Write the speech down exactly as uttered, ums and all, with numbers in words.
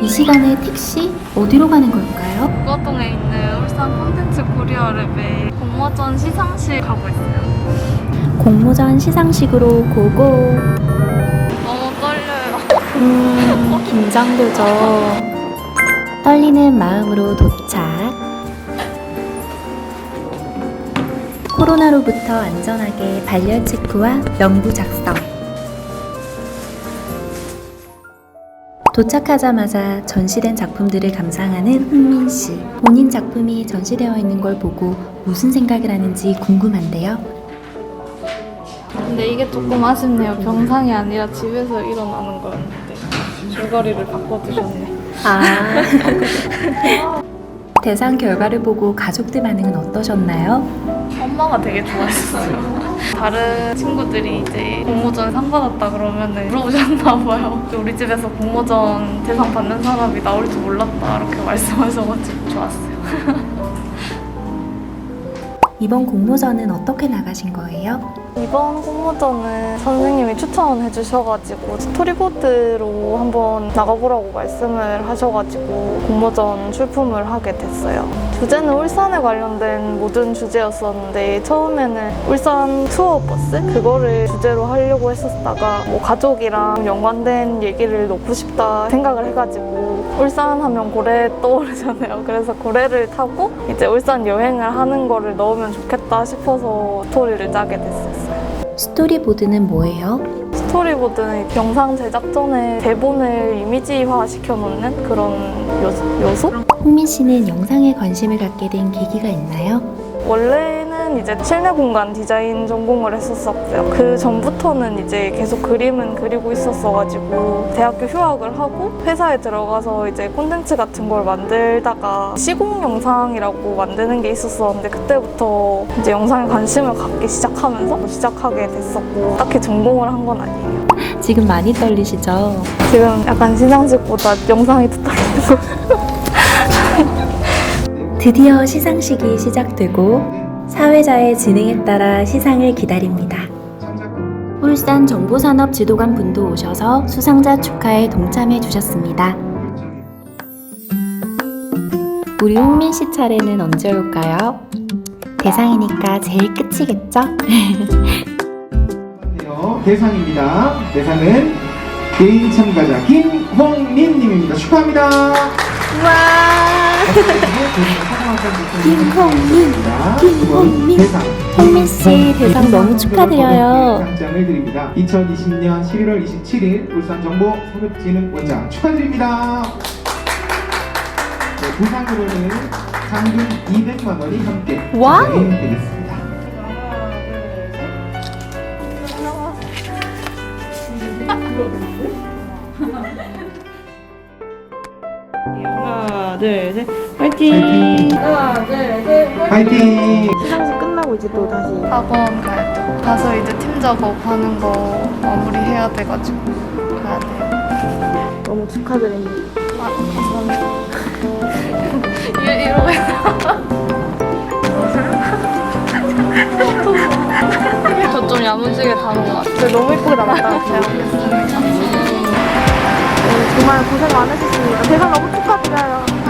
이 시간에 택시 어디로 가는 걸까요? 목화동에 있는 울산 콘텐츠 코리아랩에 공모전 시상식 가고 있어요. 공모전 시상식으로 고고. 너무 떨려요. 음, 긴장되죠. 떨리는 마음으로 도착. 코로나로부터 안전하게 발열 체크와 명부 작성. 도착하자마자 전시된 작품들을 감상하는 흥민 씨. 본인 작품이 전시되어 있는 걸 보고 무슨 생각을 하는지 궁금한데요. 근데 이게 조금 아쉽네요. 병상이 아니라 집에서 일어나는 거였는데 줄거리를 바꿔주셨네. 아. 대상 결과를 보고 가족들 반응은 어떠셨나요? 엄마가 되게 좋아했어요. 다른 친구들이 이제 공모전 상 받았다 그러면 물어보셨나 봐요. 우리 집에서 공모전 대상 받는 사람이 나올 줄 몰랐다 이렇게 말씀하셔가지고 좋았어요. 이번 공모전은 어떻게 나가신 거예요? 이번 공모전은 선생님이 추천해 주셔가지고 스토리보드로 한번 나가보라고 말씀을 하셔가지고 공모전 출품을 하게 됐어요. 주제는 울산에 관련된 모든 주제였었는데 처음에는 울산 투어버스? 그거를 주제로 하려고 했었다가 뭐 가족이랑 연관된 얘기를 넣고 싶다 생각을 해가지고 울산 하면 고래 떠오르잖아요. 그래서 고래를 타고 이제 울산 여행을 하는 거를 넣으면 좋겠다 싶어서 스토리를 짜게 됐었어요. 스토리보드는 뭐예요? 스토리보드는 영상 제작 전에 대본을 이미지화 시켜놓는 그런 요, 요소? 홍민 씨는 영상에 관심을 갖게 된 계기가 있나요? 원래는 이제 실내 공간 디자인 전공을 했었었고요. 그 전부터는 이제 계속 그림은 그리고 있었어가지고 대학교 휴학을 하고 회사에 들어가서 이제 콘텐츠 같은 걸 만들다가 시공 영상이라고 만드는 게 있었었는데 그때부터 이제 영상에 관심을 갖기 시작하면서 시작하게 됐었고 딱히 전공을 한 건 아니에요. 지금 많이 떨리시죠? 지금 약간 시상식보다 영상이 더 떨리는 거. 드디어 시상식이 시작되고 사회자의 진행에 따라 시상을 기다립니다. 울산 정보산업 지도관 분도 오셔서 수상자 축하에 동참해 주셨습니다. 우리 홍민 씨 차례는 언제 올까요? 대상이니까 제일 끝이겠죠? 대상입니다. 대상은 개인 참가자 김홍민 님입니다. 축하합니다. 와! 김홍민, 김홍민, 홍민 씨 대상 너무 축하드려요. 상장을 드립니다. 이천이십 년 십일월 이십칠일 울산 정보산업진흥원장 축하드립니다. 네, 부상으로는 상금 이백만 원이 함께 와우! 되겠습니다. 하나, 둘, 셋, 화이팅! 하나, 둘, 셋, 화이팅! 시상식 끝나고 이제 또 다시 학원 가야 돼. 가서 이제 팀 작업하는 거 마무리해야 돼가지고 가야 돼요. 너무 축하드립니다. 아, 감사합니다. 이- 이러고 저 좀 야무지게 다룬 것 같아요. 너무 예쁘게 나왔다. 잘 먹겠습니다. 정말 고생 많으셨습니다. 대상 너무 축하드려요.